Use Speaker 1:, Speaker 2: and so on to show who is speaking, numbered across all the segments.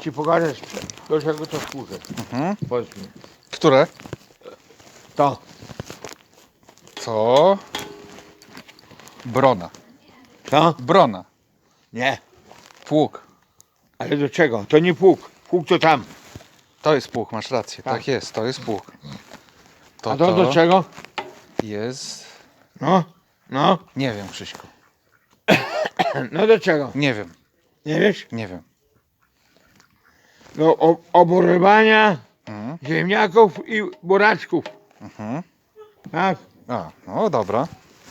Speaker 1: ci pokażę, do czego to służy. Powiedz mi.
Speaker 2: Które?
Speaker 1: To.
Speaker 2: Co? Brona.
Speaker 1: To?
Speaker 2: Brona.
Speaker 1: Nie.
Speaker 2: Pług.
Speaker 1: Ale do czego? To nie pług. Pług to tam.
Speaker 2: To jest pług, masz rację.
Speaker 1: Tak.
Speaker 2: Tak jest, to jest pług.
Speaker 1: A to do czego?
Speaker 2: jest...
Speaker 1: No. No.
Speaker 2: Nie wiem, Krzyśku.
Speaker 1: No do czego?
Speaker 2: Nie wiem,
Speaker 1: Nie wiesz?
Speaker 2: nie wiem.
Speaker 1: Do oborywania
Speaker 2: Mhm.
Speaker 1: ziemniaków i buraczków.
Speaker 2: Mhm.
Speaker 1: Tak.
Speaker 2: A, no dobra.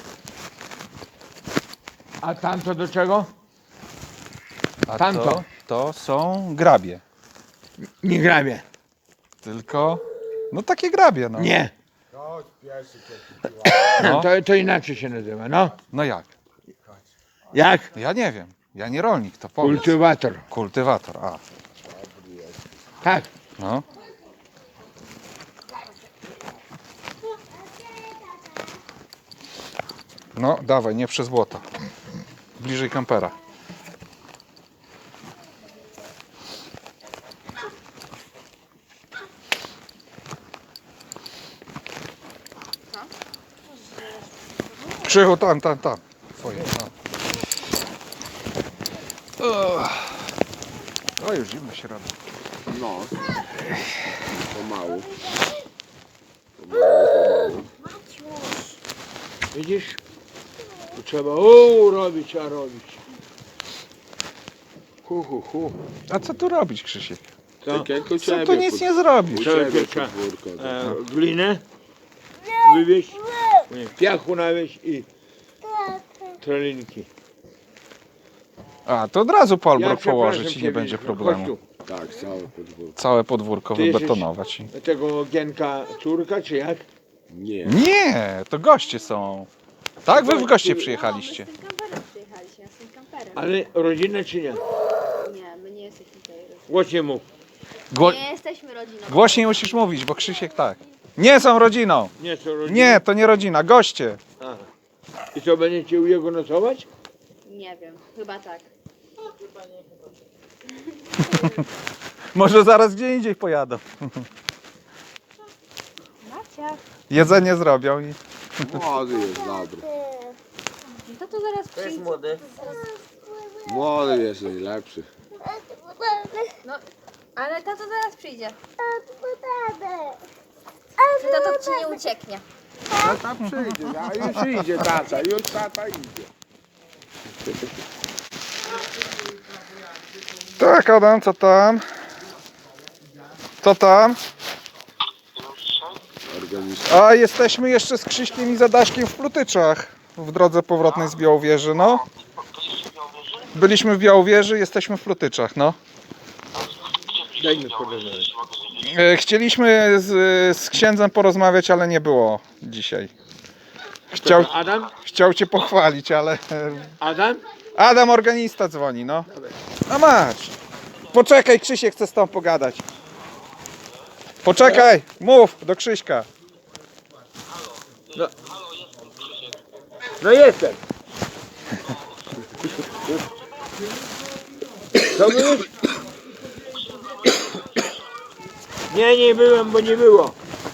Speaker 1: A tamto do czego?
Speaker 2: A
Speaker 1: Tamto.
Speaker 2: to są grabie.
Speaker 1: Nie grabie.
Speaker 2: Tylko... No takie grabie, no.
Speaker 1: Nie.
Speaker 2: No,
Speaker 1: To inaczej się nazywa. No.
Speaker 2: no jak?
Speaker 1: Jak?
Speaker 2: Ja nie wiem. Ja nie rolnik, to powiedz.
Speaker 1: Kultywator.
Speaker 2: Kultywator, a.
Speaker 1: Tak.
Speaker 2: No. No, dawaj, nie przez błoto. Bliżej kampera. Krzychu, tam. Twoje, no. O, już zimno się robi.
Speaker 3: No. Pomału.
Speaker 1: Widzisz? Tu trzeba robić, a robić. Hu.
Speaker 2: A co tu robić, Krzysiek?
Speaker 1: Co?
Speaker 3: Tak jak u
Speaker 2: Co
Speaker 3: ciebie.
Speaker 2: tu nic nie zrobisz?
Speaker 3: U
Speaker 1: Trzeba
Speaker 3: ciebie
Speaker 1: pieprza.
Speaker 3: podwórko.
Speaker 1: Glinę wywieźć, piachu nawieźć i tralinki.
Speaker 2: A, to od razu Polbrok
Speaker 1: przepraszam
Speaker 2: położyć i
Speaker 1: ciebie,
Speaker 2: nie będzie
Speaker 1: chodź
Speaker 2: problemu.
Speaker 1: tu.
Speaker 3: Tak, całe podwórko.
Speaker 2: Całe podwórko
Speaker 1: Ty jesteś-
Speaker 2: wybetonować.
Speaker 1: Tego Gienka córka, czy jak?
Speaker 3: Nie.
Speaker 2: Nie, to goście są. Tak, wy w goście przyjechaliście.
Speaker 4: My z tym kamperem przyjechaliśmy, ja z tym kamperem.
Speaker 1: Ale rodzinę czy nie?
Speaker 4: Nie, my nie jesteśmy tutaj rodziną.
Speaker 1: Głośnie mów.
Speaker 4: Nie jesteśmy rodziną.
Speaker 2: Głośniej musisz mówić, bo Krzysiek tak. Nie są rodziną.
Speaker 1: Nie są rodziny?
Speaker 2: Nie, to nie rodzina, goście.
Speaker 1: Aha. I co, będziecie u jego nocować?
Speaker 4: Nie wiem, chyba tak.
Speaker 2: Może zaraz gdzie indziej pojadą.
Speaker 4: Macia.
Speaker 2: Jedzenie zrobią i...
Speaker 3: Młody jest dobry.
Speaker 4: No to zaraz przyjdzie.
Speaker 3: Młody jest najlepszy.
Speaker 4: No, ale tato zaraz przyjdzie. Czy tato ci nie ucieknie?
Speaker 3: Tata przyjdzie, a już idzie tata, już tata idzie.
Speaker 2: Tak, Adam, co tam? Co tam?
Speaker 3: Organista.
Speaker 2: A jesteśmy jeszcze z Krzyśkiem i Zadaśkiem w Plutyczach. W drodze powrotnej z Białowieży, no. Byliśmy w Białowieży, jesteśmy w Plutyczach, no.
Speaker 1: Daj mi porozmawiać.
Speaker 2: Chcieliśmy z księdzem porozmawiać, ale nie było dzisiaj.
Speaker 1: Adam?
Speaker 2: Chciał cię pochwalić, ale...
Speaker 1: Adam?
Speaker 2: Adam, organista dzwoni, no. A masz. Poczekaj, Krzysiek chce z tobą pogadać. Poczekaj, mów do Krzyśka.
Speaker 1: No jestem. Co mówisz? Nie byłem, bo nie było.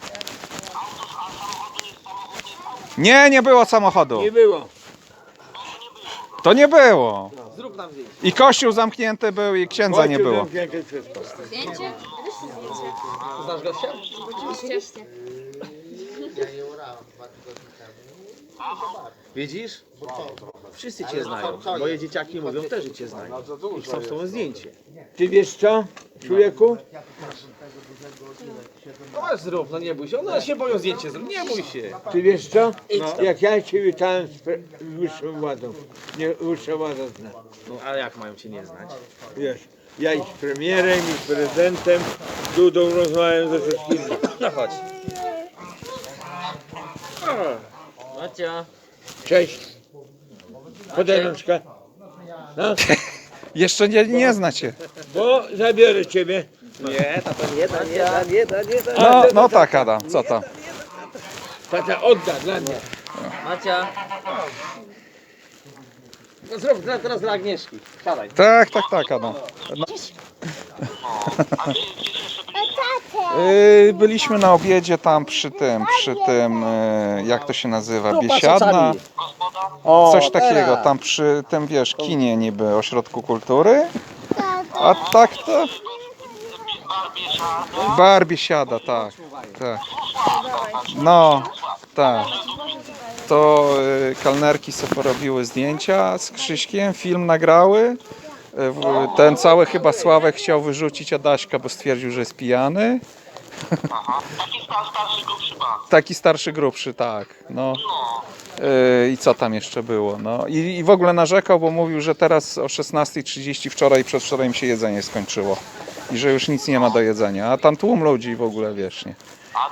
Speaker 2: Nie było samochodu.
Speaker 1: Nie było.
Speaker 2: To nie było. I kościół zamknięty był i księdza nie było.
Speaker 1: Zamknięte wszystko.
Speaker 4: Zdjęcie? Wyszli zdjęcie.
Speaker 5: Znasz gościa?
Speaker 4: Oczywiście.
Speaker 5: Widzisz? Wszyscy cię znają. Moje dzieciaki mówią też, że cię znają. I chcą z tobą zdjęcie.
Speaker 1: Ty wiesz co, człowieku?
Speaker 5: No zrób, no nie bój się. One się boją zdjęcie zrobić. Nie bój się.
Speaker 1: Ty wiesz co? Jak ja cię witałem z wyższą władzą. Nie, wyższa władza zna.
Speaker 5: No a jak mają cię nie znać?
Speaker 1: Wiesz, ja i z premierem, i z prezydentem, z Dudą rozmawiam ze wszystkimi.
Speaker 5: No chodź. Macia.
Speaker 1: Cześć. Podaj rączkę. No,
Speaker 2: Jeszcze nie znacie.
Speaker 1: bo zabiorę ciebie.
Speaker 5: Nie, tato nie da.
Speaker 2: No tak, Adam, co tam?
Speaker 1: Tata odda dla mnie.
Speaker 5: Macia. No zrób teraz dla Agnieszki. Siadaj.
Speaker 2: Tak, Adam. No. Byliśmy na obiedzie tam przy tym, jak to się nazywa, Biesiadna, coś takiego, tam przy tym, wiesz, kinie niby, ośrodku kultury, a tak to... Bar Biesiada, tak, tak. No, tak. To kelnerki sobie porobiły zdjęcia z Krzyśkiem, film nagrały. Ten cały chyba Sławek chciał wyrzucić Adaśka, bo stwierdził, że jest pijany. Taki starszy, grubszy, tak. No. I co tam jeszcze było? No. I w ogóle narzekał, bo mówił, że teraz o 16:30 wczoraj i przedwczoraj im się jedzenie skończyło. I że już nic nie ma do jedzenia. A tam tłum ludzi w ogóle, wiesz, nie.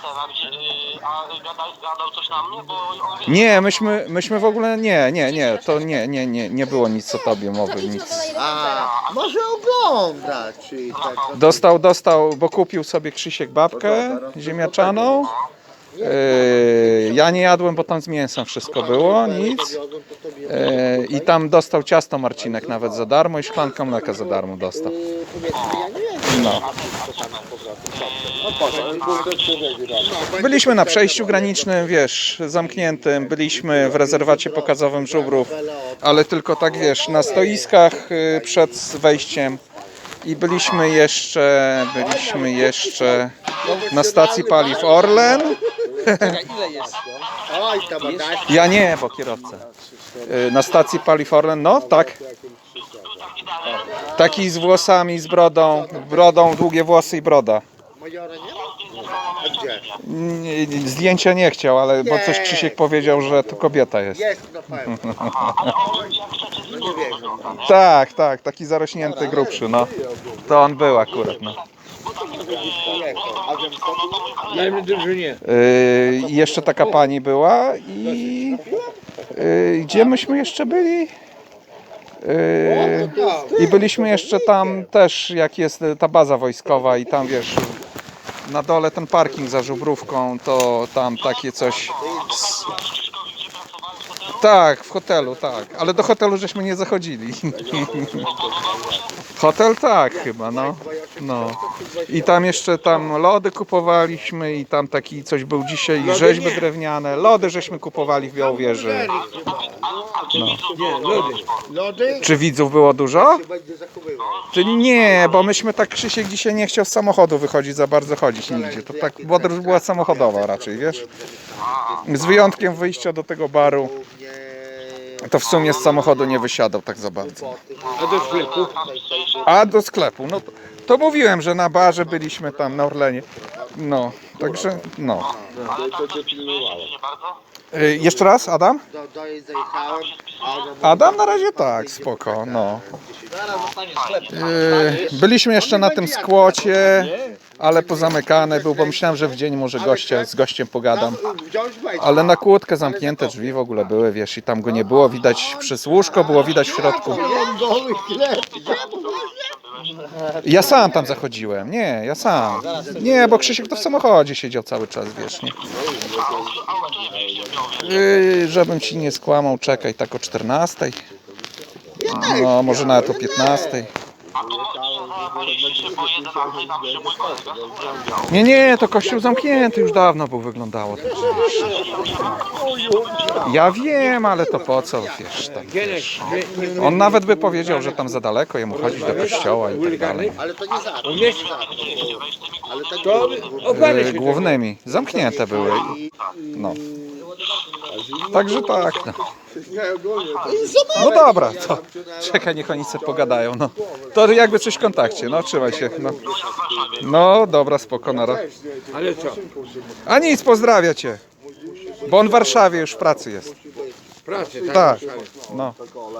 Speaker 6: Gadał coś na mnie, bo on wie,
Speaker 2: Nie, myśmy w ogóle to nie było nic o tobie mowy, nic.
Speaker 3: Może oglądać, czy tak.
Speaker 2: Dostał, bo kupił sobie Krzysiek babkę ziemniaczaną. Ja nie jadłem, bo tam z mięsem wszystko było, nic. I tam dostał ciasto Marcinek nawet za darmo i szklankę mleka za darmo dostał. No. Byliśmy na przejściu granicznym, wiesz, zamkniętym, byliśmy w rezerwacie pokazowym Żubrów, ale tylko tak, wiesz, na stoiskach przed wejściem i byliśmy jeszcze na stacji paliw Orlen.
Speaker 3: Oj, tam dać.
Speaker 2: Ja nie, bo kierowca. Na stacji paliw Orlen, no tak. Taki z włosami, z brodą, długie włosy i broda.
Speaker 3: Majora nie ma? A gdzie?
Speaker 2: Zdjęcia nie chciał, ale bo coś Krzysiek powiedział, że to kobieta jest.
Speaker 3: Jest na pewno. No nie wiem.
Speaker 2: Tak, taki zarośnięty, grubszy, no. To on był akurat, no.
Speaker 1: Najmniej drużynie.
Speaker 2: I jeszcze taka pani była i gdzie myśmy jeszcze byli? I byliśmy jeszcze tam też, jak jest ta baza wojskowa i tam, wiesz, na dole ten parking za Żubrówką, to tam takie coś... Tak, w hotelu, tak, ale do hotelu żeśmy nie zachodzili. Hotel tak chyba, no. I tam jeszcze lody kupowaliśmy i tam taki coś był dzisiaj, rzeźby drewniane, lody żeśmy kupowali w Białowieży.
Speaker 1: Nie, lody.
Speaker 3: Lody?
Speaker 2: Czy widzów było dużo?
Speaker 3: Będzie zachowywał.
Speaker 2: Czy nie, bo myśmy tak, Krzysiek dzisiaj nie chciał z samochodu wychodzić, za bardzo chodzić nigdzie. To tak podróż była samochodowa raczej, wiesz? Z wyjątkiem wyjścia do tego baru, to w sumie z samochodu nie wysiadał tak za bardzo.
Speaker 1: A do sklepu?
Speaker 2: A do sklepu, no to mówiłem, że na barze byliśmy tam na Orlenie. No, także no. Jeszcze raz, Adam?
Speaker 3: Do jej zajechałem.
Speaker 2: Adam na razie tak, spoko, no. Byliśmy jeszcze na tym skłocie, ale pozamykane był, bo myślałem, że w dzień może z gościem pogadam. Ale na kłódkę zamknięte drzwi w ogóle były, wiesz, i tam go nie było widać przez łóżko, było widać w środku. Ja sam tam zachodziłem, nie, ja sam. Nie, bo Krzysiek to w samochodzie siedział cały czas, wiesz, nie. Żebym ci nie skłamał, czekaj, tak o 14. No, może nawet o 15. Nie, to kościół zamknięty już dawno był, wyglądało. Ja wiem, ale to po co, wiesz, tak, wiesz. On nawet by powiedział, że tam za daleko jemu chodzić do kościoła i tak dalej.
Speaker 3: Ale to nie za.
Speaker 1: Umiesz? To oparę się.
Speaker 2: Głównymi, zamknięte były. No. Także tak, no. No dobra, to czekaj, niech oni sobie pogadają, no. To jakby coś w kontakcie, no, trzymaj się, no. No, dobra, spoko, nara.
Speaker 1: Ale co?
Speaker 2: A nic, pozdrawia cię. Bo on w Warszawie już w pracy jest.
Speaker 1: Pracę,
Speaker 2: Tak, no.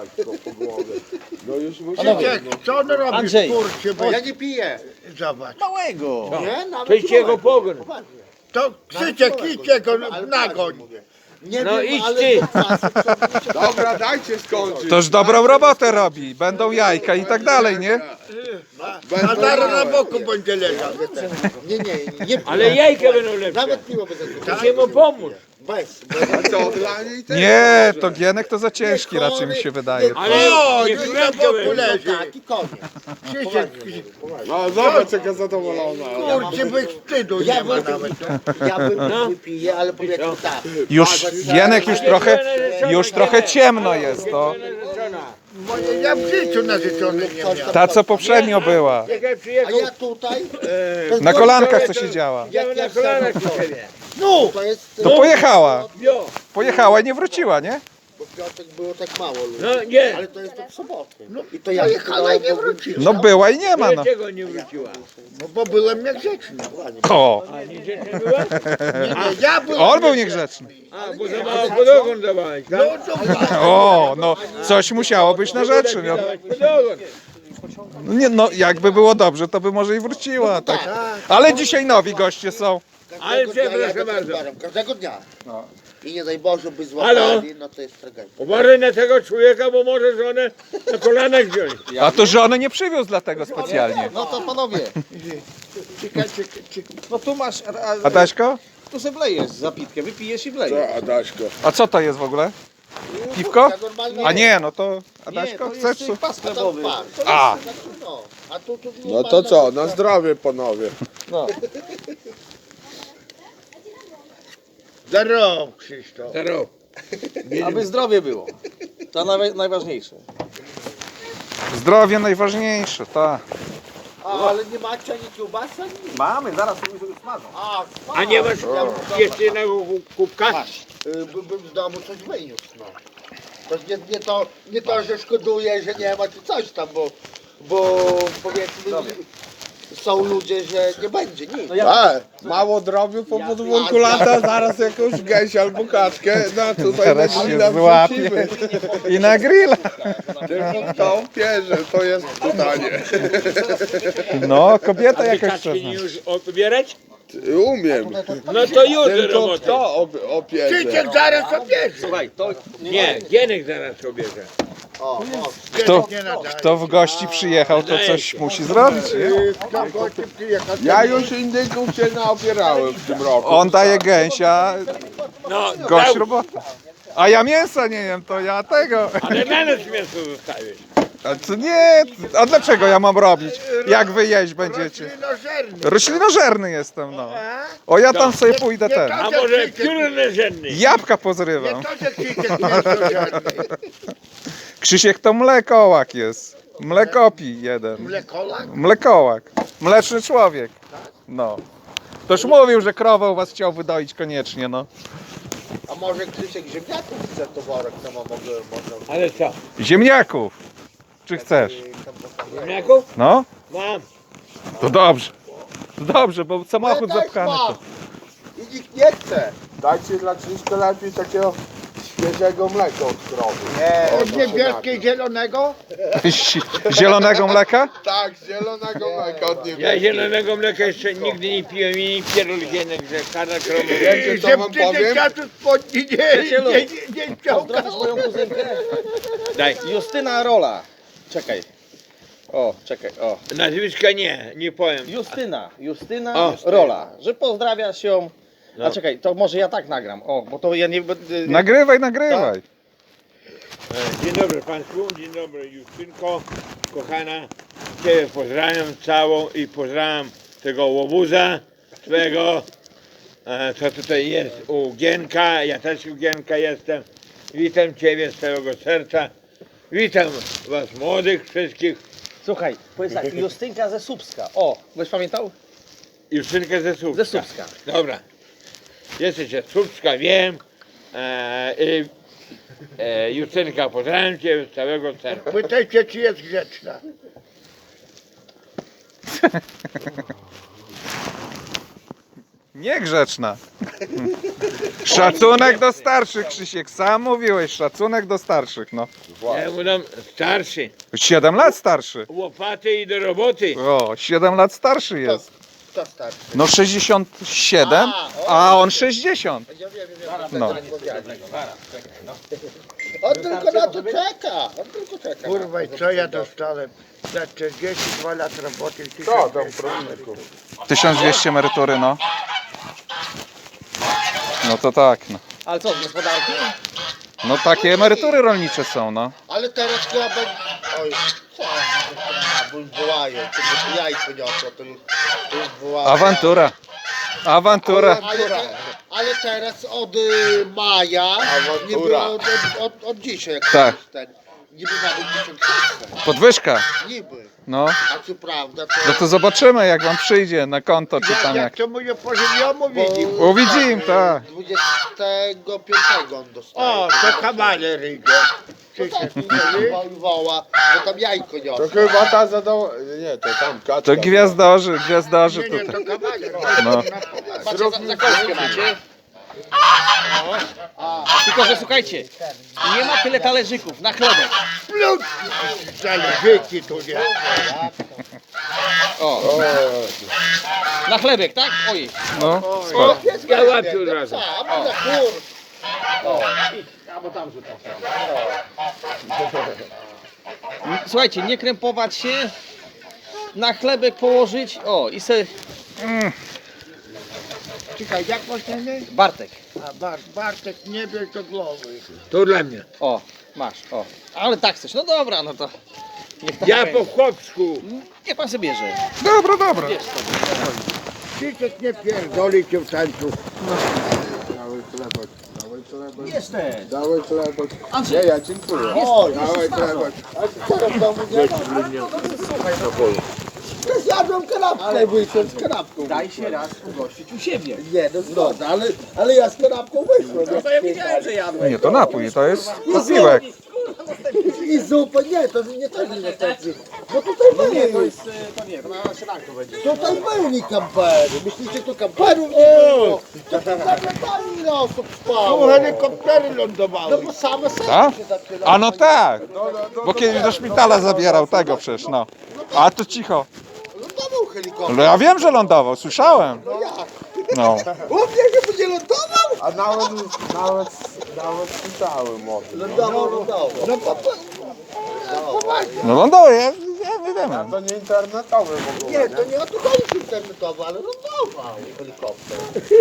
Speaker 3: Krzysiek, co on robi
Speaker 5: Andrzej.
Speaker 3: w kurcie, bo ja nie piję. Zobacz.
Speaker 5: Małego.
Speaker 3: Nie? Nawet
Speaker 1: To idź jego pogon.
Speaker 3: To Krzysiek, idźcie go nagoń. Nie
Speaker 1: No
Speaker 3: wiem,
Speaker 1: idź
Speaker 3: ale-
Speaker 1: ty.
Speaker 3: Dobra, dajcie skończyć.
Speaker 2: Toż dobrą robotę robi. Będą jajka i tak dalej, nie?
Speaker 3: A zaraz na boku będzie leżał. Nie, nie, nie.
Speaker 1: Ale jajka będą lepsze.
Speaker 3: Nawet piwo będę
Speaker 1: Chcę mu pomóc.
Speaker 3: Bez. A co, dla niej też?
Speaker 2: Nie, to Gienek to za ciężki raczej mi się wydaje.
Speaker 1: Ale
Speaker 3: Już na boku leży.
Speaker 7: Tak, i koniec.
Speaker 3: Krzysiek, no zobacz jaka zadowolona. Kurczę, bez wstydu
Speaker 7: Ja
Speaker 3: nie ma
Speaker 7: bym,
Speaker 3: nawet.
Speaker 7: ja bym wypiję, ale powiedzmy tak.
Speaker 2: Już Gienek już trochę ciemno jest to.
Speaker 3: Ja w życiu narzeczony nie miałem.
Speaker 2: Ta co poprzednio była.
Speaker 7: A ja tutaj,
Speaker 2: Na kolankach co siedziała.
Speaker 7: jak ja
Speaker 1: kolanach u siebie.
Speaker 7: no, to jest...
Speaker 2: To pojechała. Pojechała i nie wróciła, nie?
Speaker 7: Bo w piątek było tak mało ludzi.
Speaker 1: No nie,
Speaker 7: Ale to jest od soboty. I to ja
Speaker 3: Pojechała i nie wróciła.
Speaker 2: No była i nie ma, no.
Speaker 1: dlaczego nie wróciła?
Speaker 3: No bo byłem niegrzeczny.
Speaker 2: O,
Speaker 1: A niegrzeczna była?
Speaker 3: Nie, ja byłem
Speaker 2: on był niegrzeczny.
Speaker 1: A, bo za mało podogon dawałeś, tak?
Speaker 2: O, no coś musiało być na rzeczy. No.
Speaker 1: Dawałeś podogon.
Speaker 2: No nie, no jakby było dobrze, to by może i wróciła, tak. Ale dzisiaj nowi goście są.
Speaker 1: Ale
Speaker 7: Każdego dnia
Speaker 1: przepraszam
Speaker 7: jadę
Speaker 1: bardzo.
Speaker 7: tym barem, każdego dnia. I nie daj Boże by
Speaker 1: Halo?
Speaker 7: złapali, no to jest tragedia.
Speaker 1: Uważaj na tego człowieka, bo może żonę na kolanach wziąć.
Speaker 2: A to żony nie przywiózł dlatego specjalnie.
Speaker 5: No to panowie, no tu masz,
Speaker 2: Adaśko?
Speaker 5: tu se wlejesz zapitkę, wypijesz i wlejesz.
Speaker 3: Adaśko.
Speaker 2: A co to jest w ogóle? Piwko?
Speaker 7: Ja normalnie
Speaker 2: A nie, no to
Speaker 5: Nie,
Speaker 2: Adaśko,
Speaker 5: to
Speaker 2: chcesz?
Speaker 5: jest pas
Speaker 7: to
Speaker 5: chlebowy.
Speaker 7: par.
Speaker 2: A,
Speaker 7: No, a tu
Speaker 3: No to co, na zdrowie panowie.
Speaker 5: No.
Speaker 3: Zdrow, Krzysztof.
Speaker 1: Zdrow.
Speaker 5: Aby zdrowie było. To najważniejsze.
Speaker 2: zdrowie najważniejsze, tak.
Speaker 7: ale nie macie ani kiełbasy, ani nic.
Speaker 5: Mamy, zaraz sobie smażą.
Speaker 1: A nie masz jeszcze jednego kubka?
Speaker 7: Bym z domu coś wyniósł, no. To nie to, że szkoduję, że nie ma czy coś tam, bo powiedzmy są ludzie, że nie będzie nic.
Speaker 3: Mało drobiu po podwórku lata, zaraz jakąś gęś albo kaczkę, no tutaj
Speaker 2: Teraz
Speaker 3: na
Speaker 2: się
Speaker 3: grilla
Speaker 2: złapie.
Speaker 3: wrzucimy.
Speaker 2: I na grilla.
Speaker 3: Tylko kto pierze, to jest pytanie.
Speaker 2: No, kobieta
Speaker 1: Ty
Speaker 2: jakaś
Speaker 1: kaczki nie
Speaker 2: czasna.
Speaker 1: już odbierać?
Speaker 3: Umiem.
Speaker 1: No to już
Speaker 3: Tylko
Speaker 1: robota.
Speaker 3: kto opierze?
Speaker 7: Krzysiek zaraz opierzy.
Speaker 5: Słuchaj, to
Speaker 1: Nie, Gienek zaraz obierze.
Speaker 2: Kto w gości przyjechał, to coś musi zrobić, nie?
Speaker 3: Ja już indyków się naopierałem w tym roku.
Speaker 2: On daje gęsia,
Speaker 1: No,
Speaker 2: gość robota. A ja mięsa nie jem, to ja tego.
Speaker 1: ale na nas mięso zostawisz.
Speaker 2: A co nie? A dlaczego ja mam robić? Jak wy jeść będziecie? Roślinożerny jestem, no. O, ja tam sobie pójdę ten.
Speaker 1: A może piór leżenny?
Speaker 2: Jabłka pozrywam.
Speaker 3: To, że Krzysiek mięsożerny.
Speaker 2: Krzysiek to mlekołak jest. Mlekopi jeden.
Speaker 3: Mlekolak?
Speaker 2: Mlekołak. Mleczny człowiek. No. Toż mówił, że krowę u was chciał wydoić koniecznie, no.
Speaker 7: A może Krzysiek ziemniaków chce to worek, to można...
Speaker 1: Ale co?
Speaker 2: Ziemniaków. Czy chcesz?
Speaker 1: Ziemniaków?
Speaker 2: No?
Speaker 1: Mam.
Speaker 2: To dobrze. To dobrze, bo samochód zapchany. To.
Speaker 7: I nikt nie chce.
Speaker 3: Dajcie dla Krzyśka lepiej takiego świeżego mleka od krowy.
Speaker 7: Od niebieskiej zielonego?
Speaker 2: Zielonego mleka?
Speaker 3: Tak, zielonego mleka od niebieskiej.
Speaker 1: Ja zielonego mleka jeszcze nigdy nie piłem i nie pierdol Gienek, że kada krowy.
Speaker 3: Wiecie co wam powiem?
Speaker 7: spodni nie chciał.
Speaker 5: pozdrowisz moją kuzynkę.
Speaker 1: Daj.
Speaker 5: Justyna Rola. Czekaj. O, czekaj, o.
Speaker 1: Nazwiska nie powiem.
Speaker 5: Justyna
Speaker 1: O.
Speaker 5: Rola. Że pozdrawiasz ją.
Speaker 1: No.
Speaker 5: A czekaj, to może ja tak nagram. O, bo to ja nie będę...
Speaker 2: Nagrywaj, nagrywaj.
Speaker 1: Dzień dobry Państwu, dzień dobry Justynko, kochana. Ciebie pozdrawiam całą i pozdrawiam tego łobuza swego, co tutaj jest u Gienka, ja też u Gienka jestem. Witam Ciebie z całego serca. Witam Was młodych wszystkich.
Speaker 5: Słuchaj, powiedz tak, Justynka ze Słupska. O, byś pamiętał?
Speaker 1: Justynkę ze Słupska.
Speaker 5: Ze Słupska.
Speaker 1: Dobra. Jesteś ze Słupska, wiem. Justynka, pozdrawiam Cię z całego serca.
Speaker 3: Pytajcie, czy jest grzeczna.
Speaker 2: Niegrzeczna. Szacunek do starszych, Krzysiek. Sam mówiłeś, szacunek do starszych, no.
Speaker 1: Ja mu dam starszy.
Speaker 2: 7 lat starszy.
Speaker 1: Łopaty i do roboty.
Speaker 2: O, 7 lat starszy jest.
Speaker 7: Kto starszy?
Speaker 2: No 67, a on 60.
Speaker 7: Ja wiem.
Speaker 2: No.
Speaker 7: On tylko na to czeka. On tylko czeka.
Speaker 3: Kurwa, i co ja dostałem? Za 42 lat roboty.
Speaker 7: Co tam, promilku?
Speaker 2: 1200 emerytury, no. No to tak, no.
Speaker 5: Ale co, z gospodarki?
Speaker 2: No takie emerytury rolnicze są, no.
Speaker 7: Ale teraz chyba będzie... Oj, co? Bo już wołają, tylko jajko niosło, to już wołają.
Speaker 2: Awantura. Awantura.
Speaker 7: Ale teraz od maja, niby od dzisiaj, jak
Speaker 2: Tak.
Speaker 7: jest ten, niby nawet 1000.
Speaker 2: Podwyżka.
Speaker 7: Niby.
Speaker 2: No.
Speaker 7: A co prawda
Speaker 2: No to zobaczymy, jak wam przyjdzie na konto, czy tam jak.
Speaker 1: to mu nie pożywiomu widzi.
Speaker 2: O, widzimy, tak.
Speaker 7: 25 on dostaje.
Speaker 1: O, to kawaler idzie.
Speaker 7: Woła, bo tam jajko
Speaker 3: To
Speaker 7: niosło.
Speaker 3: chyba ta zadała... Nie, to tam kaczka.
Speaker 2: To gwiazdorzy
Speaker 1: Nie,
Speaker 2: tutaj.
Speaker 1: to kawaler.
Speaker 2: No.
Speaker 5: Patrzcie, za kostkę macie. Tylko, że słuchajcie, nie ma tyle talerzyków na chlebek.
Speaker 1: Zależyki tu nie.
Speaker 5: O, na chlebek, tak? Oj,
Speaker 2: No. Spoko.
Speaker 1: Ja łapię od razu.
Speaker 7: A może kur.
Speaker 5: albo tam rzucam. Słuchajcie, nie krępować się, na chlebek położyć, o i se...
Speaker 1: Czekaj, jak masz na imię?
Speaker 5: Bartek.
Speaker 1: A Bartek, nie bierz do głowy. To dla mnie.
Speaker 5: O, masz, o. Ale tak chcesz, no dobra, no to... Niech tak
Speaker 1: Ja
Speaker 5: będzie.
Speaker 1: po chłopsku.
Speaker 5: Niech pan sobie bierze.
Speaker 2: Dobra, dobra.
Speaker 5: Wiesz sobie.
Speaker 1: Krzysiek nie pierdoli cię w tańcu.
Speaker 3: Dawaj chlebek, dawaj chlebek.
Speaker 5: Jesteś.
Speaker 3: Dawaj chlebek.
Speaker 5: Andrzej.
Speaker 3: Nie, ja dziękuję.
Speaker 7: O,
Speaker 3: Dawaj chlebek.
Speaker 7: teraz w domu nie ma. Zjadłem kanapkę, wyszedłem z kanapką.
Speaker 5: Daj się raz ugościć u siebie.
Speaker 7: Nie, no zgoda, ale ja z kanapką wyszłem.
Speaker 5: No to ja wiedziałem, że jadłeś.
Speaker 2: Nie, to napój, to jest posiłek.
Speaker 7: I zupę, nie, to nie tak nie niestety. Bo tutaj byli,
Speaker 5: To nie, to na śniadanku będzie.
Speaker 7: tutaj byli kampery. Myślicie, tu kamperów nie było? To tam zaglądali ile osób
Speaker 1: Tu
Speaker 7: spało.
Speaker 1: helikoptery
Speaker 7: No
Speaker 1: lądowały.
Speaker 7: bo same serce
Speaker 2: Tak?
Speaker 7: się zaczynały.
Speaker 2: A no tak, bo kiedyś do szpitala zabierał tego przecież, no. A to cicho.
Speaker 7: Lądował helikopter.
Speaker 2: No ja wiem, że lądował, słyszałem.
Speaker 7: No jak?
Speaker 2: No.
Speaker 7: U mnie się będzie lądował?
Speaker 3: A nawet słyszałem o tym.
Speaker 7: Lądował. No
Speaker 2: No lądował, ja wiem.
Speaker 3: To nie internetowy w ogóle.
Speaker 7: nie, to nie o to chodzi internetowo, ale lądował helikopter.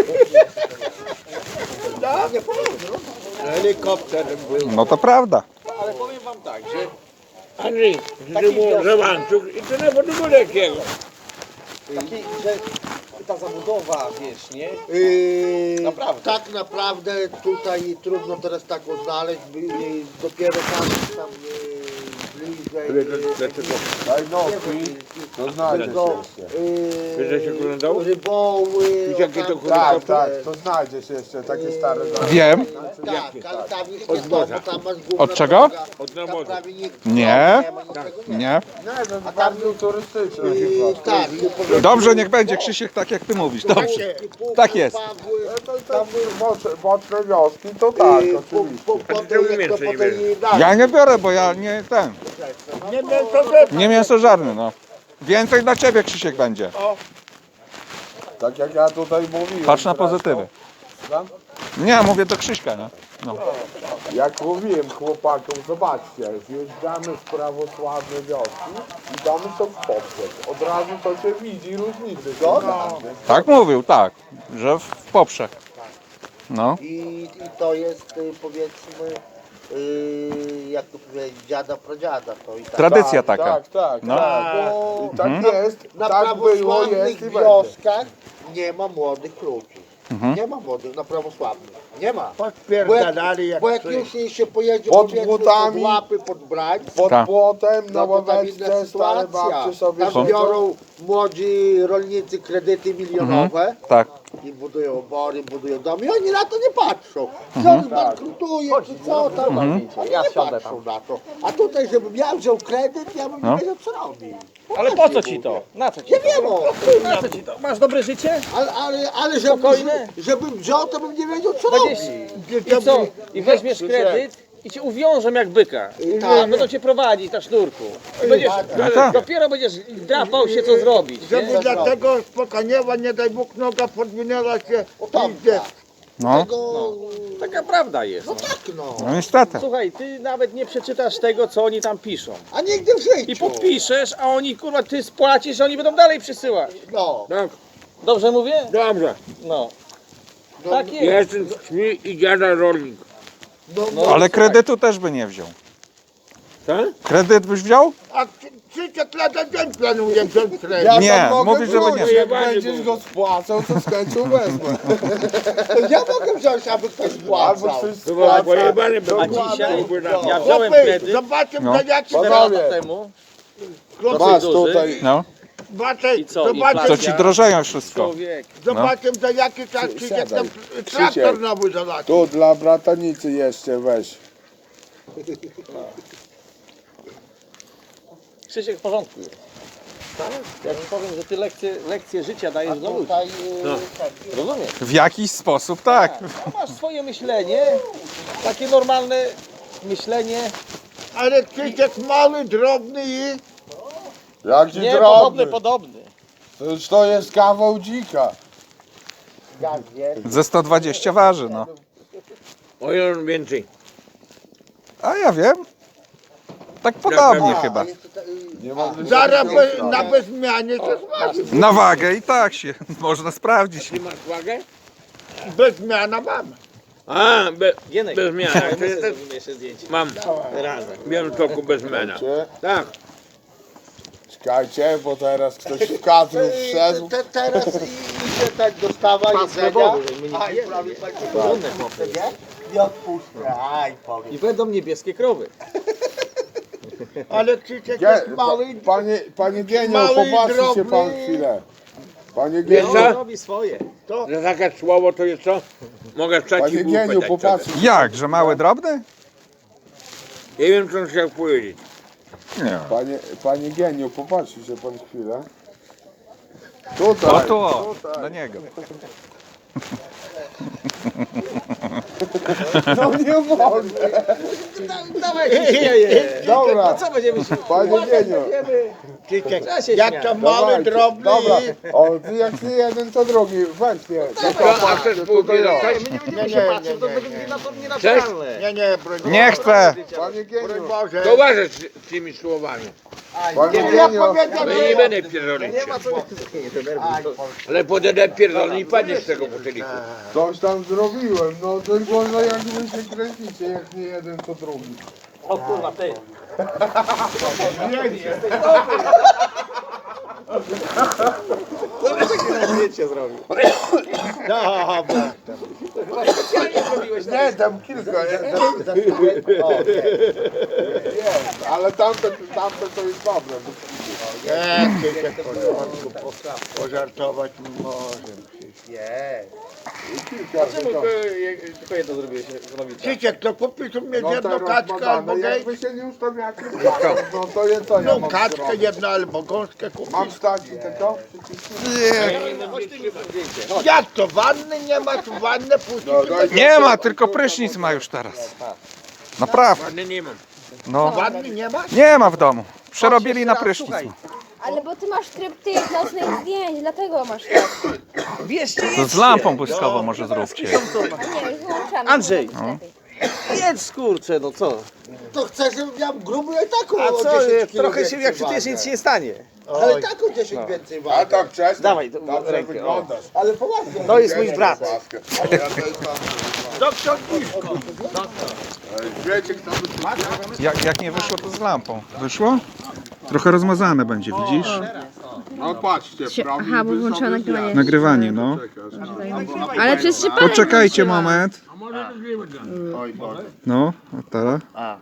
Speaker 7: No, nie powiem,
Speaker 1: Helikopterem był.
Speaker 2: No to prawda.
Speaker 5: Ale powiem wam tak, że
Speaker 1: Andrzej, Żewancuk i to nie było jakiego.
Speaker 5: taki, że ta zabudowa, wiesz, nie? Naprawdę.
Speaker 7: Tak naprawdę tutaj trudno teraz taką znaleźć, dopiero tam bliżej.
Speaker 3: Daj nogi, to znajdzie się jeszcze.
Speaker 1: Wiesz, że się oglądał?
Speaker 7: Ryboły.
Speaker 1: Widzisz, jakie to
Speaker 7: tam-
Speaker 3: Tak, tak, to znajdzie się jeszcze takie stare domy.
Speaker 2: Wiem.
Speaker 7: Tak, ale tam już
Speaker 1: Od
Speaker 7: nie to,
Speaker 1: morza.
Speaker 7: bo tam masz główna
Speaker 2: Od czego?
Speaker 7: droga,
Speaker 1: Od
Speaker 7: tam
Speaker 1: nawozu.
Speaker 7: prawie nikt
Speaker 2: Nie.
Speaker 7: ma niczego,
Speaker 2: Nie?
Speaker 3: Nie, to jest bardziej turystyczne chyba.
Speaker 7: Tak,
Speaker 2: Dobrze, niech będzie Krzysiek tak jak ty mówisz. Dobrze. Tak jest.
Speaker 3: Tam boczne wioski, to tak, oczywiście.
Speaker 2: Ja nie biorę, bo ja nie ten.
Speaker 1: Nie mięso
Speaker 2: Nie mięsożarny, no. Więcej dla ciebie, Krzysiek, będzie.
Speaker 3: Tak jak ja tutaj mówiłem.
Speaker 2: Patrz na pozytywy.
Speaker 3: Tam?
Speaker 2: Nie, mówię do Krzyśka, nie? No.
Speaker 3: Jak mówiłem chłopakom, zobaczcie, wjeżdżamy w prawosławne wioski i domy są w poprzek. Od razu to się widzi różnicy. Zgoda?
Speaker 2: Tak mówił, tak. Że w poprzek. No.
Speaker 7: I to jest powiedzmy, jak to powiedzieć, dziada, pradziada. To i tak.
Speaker 2: Tradycja taka.
Speaker 3: Tak, tak,
Speaker 2: No.
Speaker 3: tak.
Speaker 7: Bo
Speaker 3: I tak jest,
Speaker 7: na
Speaker 3: tak było, jest
Speaker 7: prawosławnych
Speaker 3: i będzie.
Speaker 7: wioskach nie ma młodych ludzi.
Speaker 2: Mhm.
Speaker 7: Nie ma młodych na prawosławnych. Nie ma.
Speaker 1: Podpierdalali jak
Speaker 7: Bo jak
Speaker 1: coś.
Speaker 7: już się pojedzie
Speaker 3: Pod
Speaker 7: powiedzmy
Speaker 3: płotami.
Speaker 7: pod łapy, pod brań,
Speaker 3: Pod
Speaker 2: Tak.
Speaker 3: płotem, na
Speaker 7: no to tam inna
Speaker 3: ławeczce, stare
Speaker 7: sytuacja.
Speaker 3: babcie sobie
Speaker 7: Tam
Speaker 3: siedzą.
Speaker 7: biorą młodzi rolnicy kredyty milionowe
Speaker 2: Tak.
Speaker 7: i budują obory, budują domy i oni na to nie patrzą. Czy on zbankrutuje, czy co tam. Oni
Speaker 5: Ja
Speaker 7: nie
Speaker 5: wsiądę
Speaker 7: patrzą na to. A tutaj, żebym ja wziął kredyt, ja bym
Speaker 2: No.
Speaker 7: nie wiedział co robić.
Speaker 5: Ale po co ci to? Na co ci
Speaker 7: Nie
Speaker 5: to?
Speaker 7: wiem, o.
Speaker 5: Na co ci to? Masz dobre życie?
Speaker 7: Ale
Speaker 5: Spokojne?
Speaker 7: żebym wziął, to bym nie wiedział co
Speaker 5: Będziesz...
Speaker 7: robić.
Speaker 5: I co? I weźmiesz kredyt i cię uwiążą jak byka.
Speaker 7: Tak.
Speaker 5: Będą cię prowadzić na sznurku. I będziesz,
Speaker 2: No tak.
Speaker 5: dopiero będziesz drapał się co zrobić. Nie?
Speaker 1: Żeby dlatego spokojniewa, nie daj Bóg, noga podwinęła się
Speaker 7: tam,
Speaker 1: i idzie.
Speaker 7: tak.
Speaker 2: No.
Speaker 7: Tego,
Speaker 5: Taka prawda jest.
Speaker 7: no tak no.
Speaker 2: No niestety.
Speaker 5: Słuchaj, ty nawet nie przeczytasz tego, co oni tam piszą.
Speaker 7: A nigdy w życiu.
Speaker 5: I podpiszesz, a oni, kurwa, ty spłacisz, a oni będą dalej przysyłać.
Speaker 7: No.
Speaker 1: Tak,
Speaker 5: Dobrze mówię?
Speaker 1: dobrze.
Speaker 5: No. Tak jest.
Speaker 1: Ja jestem z wsi i dziada rolnik.
Speaker 2: Ale kredytu też by nie wziął.
Speaker 1: Tak?
Speaker 2: Kredyt byś wziął?
Speaker 7: A 30 lat na dzień planuję wziąć kredyt.
Speaker 3: Ja
Speaker 2: Nie,
Speaker 3: tam mogę
Speaker 2: mówisz, żeby nie.
Speaker 3: wziąć, jak będziesz go spłacał, to z chęcią wezmę.
Speaker 7: Ja mogę wziąć, aby ktoś
Speaker 3: Albo
Speaker 7: spłacał.
Speaker 3: coś
Speaker 1: Chyba
Speaker 3: spłaca.
Speaker 1: pojebany był.
Speaker 5: A dzisiaj
Speaker 1: Byłby
Speaker 5: ja wziąłem
Speaker 7: Chłopy,
Speaker 5: kredyt
Speaker 7: zobaczcie,
Speaker 2: No.
Speaker 7: za jaki
Speaker 5: 4
Speaker 3: Panowie.
Speaker 5: lata temu.
Speaker 3: Masz
Speaker 5: duży.
Speaker 3: tutaj.
Speaker 2: No.
Speaker 7: Zobaczcie,
Speaker 5: I co,
Speaker 2: To
Speaker 7: zobaczcie,
Speaker 2: ci drożeją wszystko.
Speaker 5: Człowiek.
Speaker 7: zobaczcie za jaki czas Krzysiek tam traktor nowy zalać.
Speaker 3: Tu dla bratanicy jeszcze weź.
Speaker 5: Krzysiek w porządku jest. Ja ci powiem, że ty lekcje życia dajesz do ludzi.
Speaker 7: Tutaj,
Speaker 5: Rozumiesz?
Speaker 2: W jakiś sposób tak.
Speaker 5: No, masz swoje myślenie, takie normalne myślenie.
Speaker 7: ale Krzysiek mały, drobny i...
Speaker 3: Jaki
Speaker 5: Nie,
Speaker 3: drobny.
Speaker 5: podobny.
Speaker 3: To jest kawał dzika.
Speaker 2: Ze 120 waży, no.
Speaker 1: O ile więcej.
Speaker 2: A ja wiem. Tak podobnie chyba.
Speaker 3: Nie ma
Speaker 7: Zaraz na bezmianie to smaży.
Speaker 2: Na wagę i tak się można sprawdzić.
Speaker 1: Ty masz wagę?
Speaker 7: Bezmiana mamy.
Speaker 1: A,
Speaker 5: Gienek,
Speaker 1: bez zmiany.
Speaker 5: my sobie zrobimy jeszcze zdjęcie.
Speaker 1: Mam
Speaker 5: Razem.
Speaker 1: w Białymstoku bez zmiany. Tak.
Speaker 3: Czekajcie, bo teraz ktoś w kadru wszedł.
Speaker 7: Teraz idzie tak dostawa jedzenia.
Speaker 5: żeby my nie
Speaker 7: Aj,
Speaker 5: pijemy.
Speaker 7: prawie tak
Speaker 5: Porządne chłopy.
Speaker 7: nie odpuszczę. Aj, powiem.
Speaker 5: I będą niebieskie krowy.
Speaker 7: Ale Krzysiek
Speaker 3: Gdzie,
Speaker 7: jest mały.
Speaker 3: panie Genio,
Speaker 7: mały i
Speaker 3: popatrzcie się
Speaker 7: drobny.
Speaker 3: pan chwilę. Panie
Speaker 1: Wiesz
Speaker 3: Genio,
Speaker 1: co?
Speaker 5: Robi swoje.
Speaker 1: Za takie słowo to jest co? Mogę wstać i
Speaker 3: panie
Speaker 1: głupę
Speaker 3: Geniu,
Speaker 1: dać
Speaker 3: popatrzcie.
Speaker 1: sobie.
Speaker 2: Jak, że mały, drobny?
Speaker 1: Nie wiem, co on chciał powiedzieć.
Speaker 2: Nie.
Speaker 3: Panie Geniu, popatrzcie się pan chwilę.
Speaker 2: O
Speaker 3: Tutaj.
Speaker 2: tu, o, do niego.
Speaker 3: No nie mogę.
Speaker 5: Dawaj się śmieje.
Speaker 3: Dobra,
Speaker 5: Co będziemy się...
Speaker 3: panie Geniu.
Speaker 7: Krzysiek,
Speaker 5: Ja się
Speaker 7: jak
Speaker 5: śmiać.
Speaker 7: to mały,
Speaker 3: Dawajcie.
Speaker 7: drobny
Speaker 3: Dobra,
Speaker 7: i...
Speaker 3: o, ty jak nie jeden, to drugi. Weź mnie.
Speaker 1: A chcesz półki dostać?
Speaker 5: My nie będziemy się patrzeć, to będzie nienaturalne.
Speaker 7: Nie, broń
Speaker 2: Nie chcę.
Speaker 3: Panie
Speaker 7: Broń
Speaker 3: Geniu,
Speaker 7: Boże.
Speaker 1: To uważaj z tymi słowami.
Speaker 3: panie
Speaker 7: Ja
Speaker 3: Genio.
Speaker 7: powiedziałem,
Speaker 1: No i nie będę pierdolić się.
Speaker 5: Nie ma co... Nie denerwuj. to-
Speaker 1: Ale podedę pierdolę i padniesz z tego butelika.
Speaker 3: Coś tam zrobiłem, no tylko no jak wy się kręcicie, jak nie jeden, to drugi.
Speaker 5: O kurwa, ty. Zdjęcie zrobił.
Speaker 3: Nie, tam kilka, ale tamte to jest dobre.
Speaker 7: Krzysiek, pożartować może.
Speaker 5: Czemu tylko jedno zrobiłeś, robicie?
Speaker 7: Krzysiek, to kupisz u mnie
Speaker 3: No
Speaker 7: jedną
Speaker 3: to
Speaker 7: kaczkę
Speaker 3: rozbadane.
Speaker 7: albo gej.
Speaker 3: Jak wy się nie ustawiacie, no to jest co ja
Speaker 7: No
Speaker 3: mam
Speaker 7: kaczkę
Speaker 3: zrobić?
Speaker 7: jedną albo gąskę kupisz.
Speaker 3: Mam stać i tego?
Speaker 7: Jak to? Wanny nie ma? Tu wannę puścić?
Speaker 3: No, daj-
Speaker 2: Nie ma, tylko prysznic ma już teraz. Naprawdę.
Speaker 1: Ładny nie mam.
Speaker 2: No,
Speaker 7: Wanny nie ma?
Speaker 2: nie ma w domu. Przerobili na prysznic.
Speaker 4: Ale bo ty masz tryb tych nocnych zdjęć, dlatego masz tak.
Speaker 5: Bierzcie,
Speaker 2: To z lampą błyskową może zróbcie.
Speaker 4: A nie, już wyłączamy.
Speaker 5: Andrzej.
Speaker 4: to lepiej.
Speaker 5: jedz kurczę, no co?
Speaker 7: To chcę, żebym miał gruby i taką
Speaker 5: A
Speaker 7: o
Speaker 5: co,
Speaker 7: 10 kilo
Speaker 5: trochę się,
Speaker 7: więcej
Speaker 5: jak przecież
Speaker 7: wagę.
Speaker 5: nic się nie stanie.
Speaker 7: Ale taką 10 więcej
Speaker 3: A
Speaker 7: wagę.
Speaker 3: tak wcześniej?
Speaker 5: Dawaj, to
Speaker 3: Dobrze
Speaker 5: rękę, o.
Speaker 3: wyglądasz.
Speaker 7: Ale poważnie.
Speaker 5: To jest mój brat.
Speaker 7: Doktor Kiszko.
Speaker 3: Wiecie kto by
Speaker 2: Jak nie wyszło, to z lampą. Wyszło? Trochę rozmazane będzie, widzisz?
Speaker 3: No patrzcie, prawie
Speaker 4: Aha, bo włączyła nagrywanie.
Speaker 2: Nagrywanie, no.
Speaker 4: Ale przecież się pan
Speaker 2: Poczekajcie moment.
Speaker 3: Oj Boże.
Speaker 2: No, a teraz?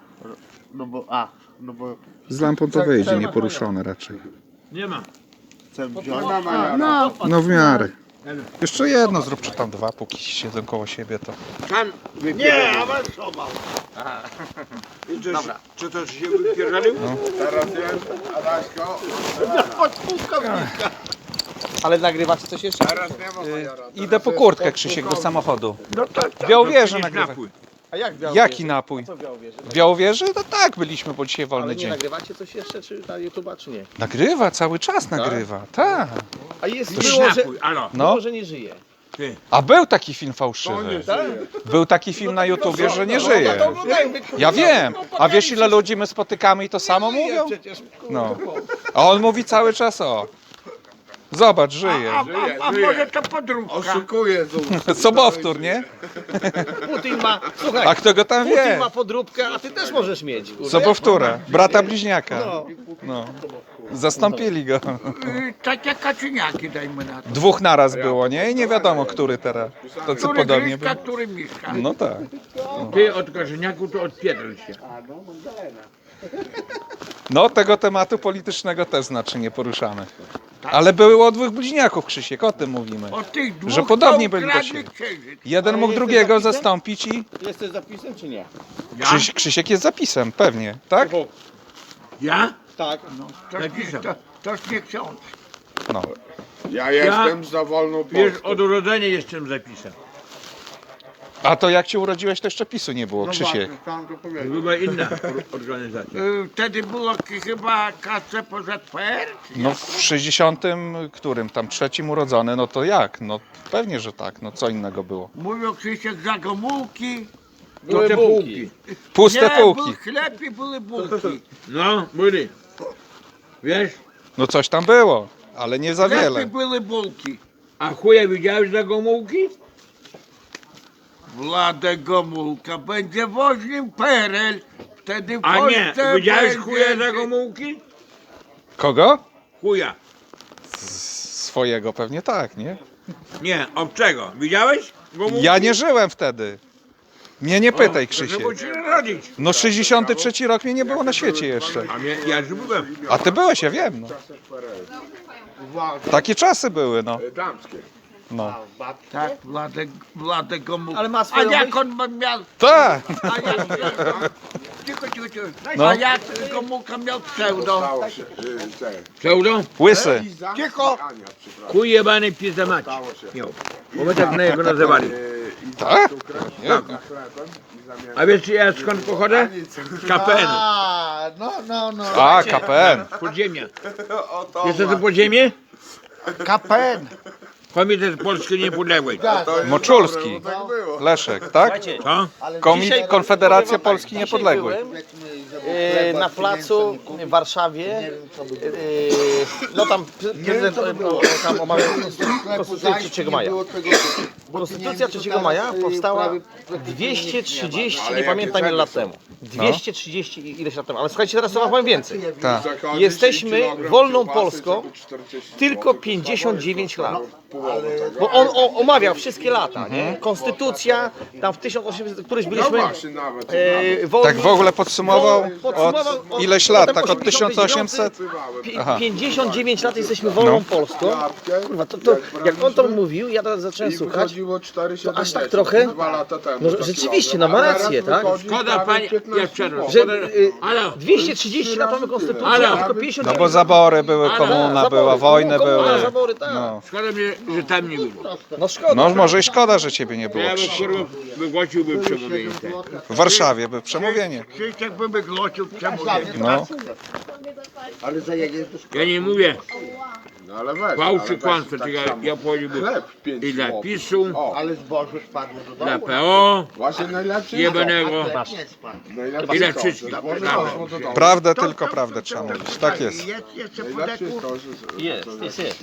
Speaker 7: No bo
Speaker 2: Z lampą to wyjdzie, nieporuszone raczej.
Speaker 1: Nie ma.
Speaker 7: chcę wziąć.
Speaker 4: No,
Speaker 2: No w miarę. Jeszcze jedno zrób, czy tam dwa, póki siedzą koło siebie, to...
Speaker 1: Sam
Speaker 7: Nie,
Speaker 1: wypierdolił.
Speaker 7: awansował.
Speaker 1: Dobra. Czy to się wypierdolił?
Speaker 3: Teraz jest, Adaśko.
Speaker 7: Od pułkownika.
Speaker 5: Ale nagrywacie coś jeszcze?
Speaker 3: Teraz nie ma majora.
Speaker 2: Idę po kurtkę, Krzysiek, do samochodu.
Speaker 7: No tak,
Speaker 2: W Białowieży
Speaker 1: Przynieś
Speaker 2: nagrywaj.
Speaker 1: napój.
Speaker 5: A jak Białowieży?
Speaker 2: Jaki napój?
Speaker 5: Co w Białowieży?
Speaker 2: W Białowieży? No tak, byliśmy, bo dzisiaj
Speaker 5: Ale
Speaker 2: wolny
Speaker 5: nie
Speaker 2: dzień.
Speaker 5: nagrywacie coś jeszcze, czy na YouTube'a, czy nie?
Speaker 2: Nagrywa, cały czas nagrywa, tak.
Speaker 5: A jest,
Speaker 1: Przynieś
Speaker 5: było, że,
Speaker 1: napój, alo.
Speaker 2: No,
Speaker 5: było, że nie żyje.
Speaker 2: a był taki film fałszywy. Był taki film na YouTubie, że nie żyje. Ja wiem. A wiesz, ile ludzi my spotykamy i to samo mówią?
Speaker 5: Przecież,
Speaker 2: No. A on mówi cały czas o. Zobacz, żyje.
Speaker 1: A może to podróbka?
Speaker 3: Oszukuje tu.
Speaker 2: Sobowtór, nie?
Speaker 5: Putin ma, słuchaj,
Speaker 2: A kto go tam
Speaker 5: Putin
Speaker 2: wie?
Speaker 5: ma podróbkę, a ty też możesz mieć. kurde.
Speaker 2: Sobowtóra, brata bliźniaka. No. Zastąpili go.
Speaker 1: Takie kaczyniaki dajmy na to.
Speaker 2: Dwóch naraz było, nie? I nie wiadomo, który teraz. To co podobnie było.
Speaker 1: Który mieszka.
Speaker 2: No tak.
Speaker 1: Ty od kaczyniaku to odpierdol się.
Speaker 2: No tego tematu politycznego też znaczy nie poruszamy. Ale było o dwóch bliźniaków, Krzysiek, o tym mówimy.
Speaker 1: Od tych dwóch
Speaker 2: Że podobni
Speaker 1: to
Speaker 2: byli do
Speaker 1: ukradli
Speaker 2: siebie.
Speaker 1: księżyc.
Speaker 2: Jeden mógł drugiego zastąpić i
Speaker 5: Jesteś zapisem czy nie?
Speaker 2: Krzysiek jest zapisem, pewnie, tak?
Speaker 1: Ja?
Speaker 5: Tak.
Speaker 1: Toż nie ksiądz.
Speaker 2: No.
Speaker 3: Ja jestem za wolną
Speaker 1: Wiesz,
Speaker 3: Polską.
Speaker 1: od urodzenia jestem zapisem.
Speaker 2: A to jak się urodziłeś, to jeszcze PiSu nie było, Krzysiek.
Speaker 1: Była inna organizacja. Wtedy było chyba KCPZPR?
Speaker 2: No w 60 którym tam trzecim urodzony, no to jak? No pewnie, że tak, no co innego było.
Speaker 1: Mówią Krzysiek za Gomułki.
Speaker 5: Były
Speaker 1: te
Speaker 5: bułki.
Speaker 2: Puste
Speaker 1: Nie,
Speaker 2: półki.
Speaker 1: był chleb i były bułki. No, byli. Wiesz?
Speaker 2: No coś tam było, ale nie za
Speaker 1: Chleb i
Speaker 2: wiele.
Speaker 1: były bułki. A chuja widziałeś za Gomułki? Wladek Gomułka będzie woźnym PRL. Wtedy w
Speaker 8: A nie,
Speaker 1: Polsce
Speaker 8: widziałeś
Speaker 1: będzie-
Speaker 8: chuja za Gomułki?
Speaker 2: Kogo?
Speaker 8: Chuja.
Speaker 2: Swojego pewnie tak, nie?
Speaker 8: Nie, obcego. Widziałeś Gomułki?
Speaker 2: Ja nie żyłem wtedy. Mnie nie pytaj,
Speaker 8: Proszę
Speaker 2: Krzysiek.
Speaker 8: było cię narodzić.
Speaker 2: No 63 rok mnie nie było na świecie jeszcze.
Speaker 8: A mnie, ja już byłem.
Speaker 2: A ty byłeś, ja wiem. No. Takie czasy były, no.
Speaker 3: Damskie.
Speaker 2: No.
Speaker 1: Tak, Wladek Gomułka.
Speaker 5: Ale ma
Speaker 1: A
Speaker 5: swoją
Speaker 1: jak
Speaker 5: myśl?
Speaker 1: on miał...
Speaker 2: Tak.
Speaker 1: A jak... Cicho.
Speaker 2: No.
Speaker 1: A jak Gomułka miał pseudo?
Speaker 3: Stało się. Te.
Speaker 8: Pseudo?
Speaker 2: Łysy.
Speaker 1: Cicho.
Speaker 3: Ania, przepraszam.
Speaker 8: Chuj jebany pizda mać.
Speaker 3: Stało się.
Speaker 8: Jo. Bo my tak na jego nazywali.
Speaker 3: I
Speaker 2: Tak?
Speaker 3: tu krew,
Speaker 2: Nie.
Speaker 3: za chlebem i zamiast
Speaker 8: A wiesz ja skąd pochodzę? Z KPN.
Speaker 7: A, no.
Speaker 2: A, KPN.
Speaker 8: Podziemia. Wiesz co to podziemie?
Speaker 7: KPN.
Speaker 8: Komitet Polski Niepodległej.
Speaker 2: Moczulski.
Speaker 3: tak było.
Speaker 2: Leszek, tak?
Speaker 8: Co?
Speaker 2: Konfederacja Polski Niepodległej.
Speaker 5: Na placu w Warszawie, no tam prezydent tam omawiał Konstytucję 3 maja. Konstytucja 3 maja powstała 230, nie pamiętam ile lat temu. 230 i ileś lat temu, ale słuchajcie, teraz to wam powiem więcej.
Speaker 2: Tak.
Speaker 3: Zachodzić
Speaker 5: Jesteśmy
Speaker 3: i kilogram
Speaker 5: wolną
Speaker 3: kiełbasy,
Speaker 5: Polską,
Speaker 3: żeby 40
Speaker 5: tylko 59 lat.
Speaker 3: połowę tego.
Speaker 5: Bo on omawiał wszystkie lata, nie? Konstytucja, tam w 1800 któryś
Speaker 3: No
Speaker 5: byliśmy
Speaker 3: właśnie, nawet.
Speaker 5: wolni.
Speaker 2: Tak w ogóle podsumował od ileś lat, tak od
Speaker 5: 89,
Speaker 2: 1800? Aha.
Speaker 5: 59 lat jesteśmy wolną Polską. Kurwa, to jak on to mówił, ja teraz zacząłem
Speaker 3: I
Speaker 5: słuchać.
Speaker 3: wychodziło 4,70
Speaker 5: to aż tak trochę?
Speaker 3: 2 lata temu.
Speaker 5: No,
Speaker 3: za
Speaker 5: rzeczywiście,
Speaker 3: kilogram.
Speaker 5: no ma
Speaker 3: A teraz
Speaker 5: rację, tak?
Speaker 3: wychodzi
Speaker 8: Szkoda,
Speaker 3: prawie
Speaker 8: panie-
Speaker 3: 15
Speaker 8: ja przerwę.
Speaker 5: Że
Speaker 3: zł.
Speaker 5: 230 lat mamy konstytucję,
Speaker 8: Ale-
Speaker 5: a tylko 59
Speaker 2: No bo zabory były, komuna była, wojny były.
Speaker 5: Zabory, tak.
Speaker 2: No.
Speaker 8: Szkoda mnie, że tam nie było.
Speaker 5: No szkoda.
Speaker 2: No może i szkoda, że ciebie nie
Speaker 8: To
Speaker 2: było,
Speaker 8: ja bym
Speaker 2: Krzysiek.
Speaker 8: kurwa wygłosiłby przemówienie.
Speaker 2: W Warszawie by przemówienie.
Speaker 1: Krzysiek by wyglocił przemówienie.
Speaker 2: No.
Speaker 7: Ale za jedzie to szkoda.
Speaker 8: Ja nie mówię
Speaker 3: No ale weź,
Speaker 8: fałszy
Speaker 3: ale
Speaker 8: kłamstwo,
Speaker 3: weź tak
Speaker 8: tylko
Speaker 3: samo.
Speaker 8: ja powiedziałbym
Speaker 3: Chleb 5
Speaker 8: i dla
Speaker 3: złotych.
Speaker 8: PiSu,
Speaker 3: O,
Speaker 7: Ale zboże spadło do
Speaker 8: dla
Speaker 7: domu.
Speaker 8: PO,
Speaker 3: właśnie najlepszy
Speaker 8: jebanego.
Speaker 7: Nie spadł.
Speaker 3: Najlepszy
Speaker 8: I dla
Speaker 3: to,
Speaker 8: wszystkich.
Speaker 3: że zboże
Speaker 8: Brawo.
Speaker 3: poszło do domu.
Speaker 2: Prawdę, tylko prawdę trzeba mówić. Tak jest.
Speaker 1: Jest jeszcze
Speaker 3: Najlepszy
Speaker 1: podeku.
Speaker 3: to, że...
Speaker 5: Jest.